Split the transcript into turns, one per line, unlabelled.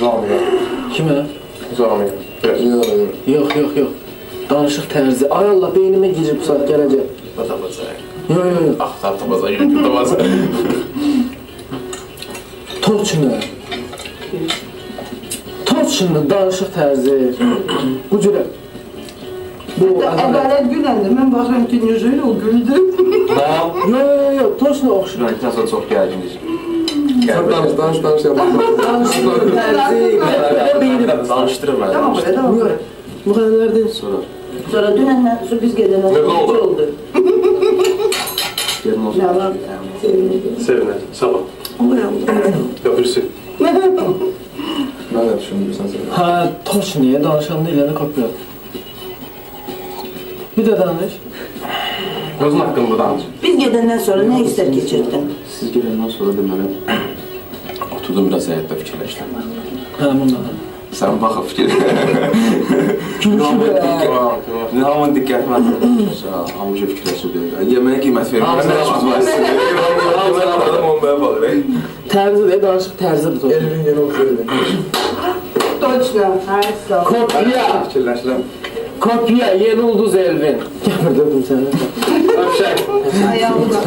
Zamiyə.
Kimə?
Zamiyə.
Yox. Danışıq tərzi. Ay Allah, beynimə girib bu saat gələcək.
Batacaq.
Yox.
Axtar tapacaq, YouTube tapacaq.
Torçunu. Torçunu, danışıq tərzi. Bu cürə. Bu
Ədalət güləndə mən baxıram ki, necə o güldü.
Yox, torçunu oxşur.
Transfer çox gərgindir.
Danış.
Danışıq tərzi.
Danışdırır məni.
Tamam, belə.
Müğənnilərdən
Sonra dünəndən sonra biz gedəndən
Nə
sonra
oldu?
oldu.
Yerin olsun.
Nə var?
Sevinir. Sabah. Öpürsün.
Mən də düşündürsən sən.
hə, torçunuya danışanda eləni kopya. Bir də danış.
Özün haqqında danış.
Biz gedəndən sonra nə istər keçirdin?
Siz gələndən sonra deməli oturdum biraz həyatda fikirləşdim.
Hə, bundan.
Sən baxıb fikir.
Gülüşü belə.
Nə hamın diqqətmə. Hamı fikirləşirdi. Yeməyə qiymət verir.
Tərzi də danışıq tərzidir torçunu.
Elvin yenə oxuyurdu.
Точно. Hayır,
Kopya.
Fikirləşirəm.
Kopya, yeni ulduz Elvin. Gəbirdim səni.
Öpüşək.
Ayağımda.